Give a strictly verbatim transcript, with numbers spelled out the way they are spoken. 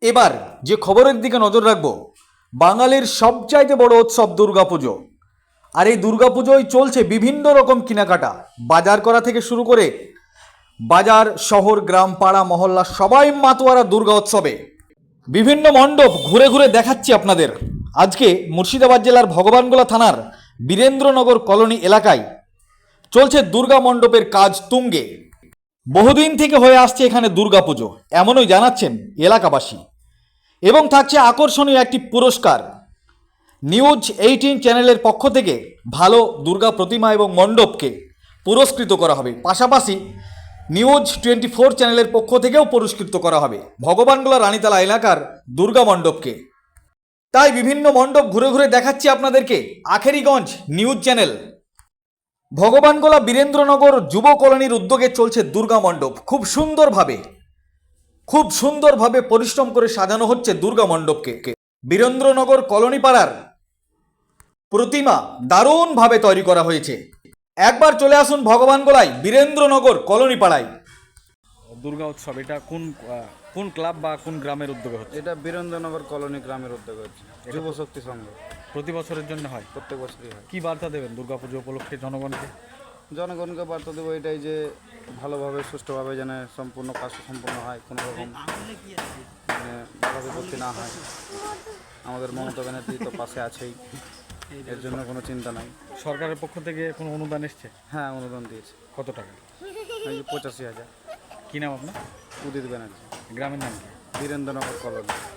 এবার যে খবরের দিকে নজর রাখবো, বাঙালির সবচাইতে বড় উৎসব দুর্গাপুজো। আর এই দুর্গাপুজোয় চলছে বিভিন্ন রকম কেনাকাটা, বাজার করা থেকে শুরু করে বাজার, শহর, গ্রাম, পাড়া, মহল্লা সবাই মাতোয়ারা দুর্গা উৎসবে। বিভিন্ন মণ্ডপ ঘুরে ঘুরে দেখাচ্ছি আপনাদের। আজকে মুর্শিদাবাদ জেলার ভগবানগোলা থানার বীরেন্দ্রনগর কলোনি এলাকায় চলছে দুর্গা মণ্ডপের কাজ তুঙ্গে। বহুদিন থেকে হয়ে আসছে এখানে দুর্গাপুজো, এমনই জানাচ্ছেন এলাকাবাসী। এবং থাকছে আকর্ষণীয় একটি পুরস্কার। নিউজ এইটিন চ্যানেলের পক্ষ থেকে ভালো দুর্গা প্রতিমা এবং মণ্ডপকে পুরস্কৃত করা হবে। পাশাপাশি নিউজ টোয়েন্টি ফোর চ্যানেলের পক্ষ থেকেও পুরস্কৃত করা হবে ভগবানগোলা রানীতলা এলাকার দুর্গা মণ্ডপকে। তাই বিভিন্ন মণ্ডপ ঘুরে ঘুরে দেখাচ্ছি আপনাদেরকে আখেরিগঞ্জ নিউজ চ্যানেল। ভগবানগোলা বীরেন্দ্রনগর যুব কলোনির উদ্যোগে চলছে দুর্গা মণ্ডপ। খুব সুন্দরভাবে খুব সুন্দরভাবে পরিশ্রম করে সাজানো হচ্ছে দুর্গা মণ্ডপকে। বীরেন্দ্রনগর কলোনি পাড়ার প্রতিমা দারুণভাবে তৈরি করা হয়েছে। একবার চলে আসুন ভগবানগোলায় বীরেন্দ্রনগর কলোনি পাড়ায়। দুর্গা উৎসব এটা কোন কোন ক্লাব বা কোন গ্রামের উদ্যোগে হচ্ছে? এটা বীরেন্দ্রনগর কলোনি গ্রামের উদ্যোগে হচ্ছে, যুব শক্তি সংঘ। প্রতি বছরের জন্য হয়? প্রত্যেক বছরই হয়। কি বার্তা দেবেন দুর্গাপুজো উপলক্ষে জনগণকে? জনগণকে বার্তা দেবো এটাই যে ভালোভাবে সুষ্ঠুভাবে যেন সম্পূর্ণ কাজ সম্পূর্ণ হয়, কোনো রকম মানে বাধা বিপত্তি না হয়। আমাদের মমতা ব্যানার্জি তো পাশে আছেই, এর জন্য কোনো চিন্তা নাই। সরকারের পক্ষ থেকে কোনো অনুদান এসছে? হ্যাঁ, অনুদান দিয়েছে। কত টাকা? এই যে পঁচাশি হাজার। কী নাম আপনার? উদিত ব্যানার্জি, গ্রামের নাম কি? বীরেন্দ্রনগর কলোনি।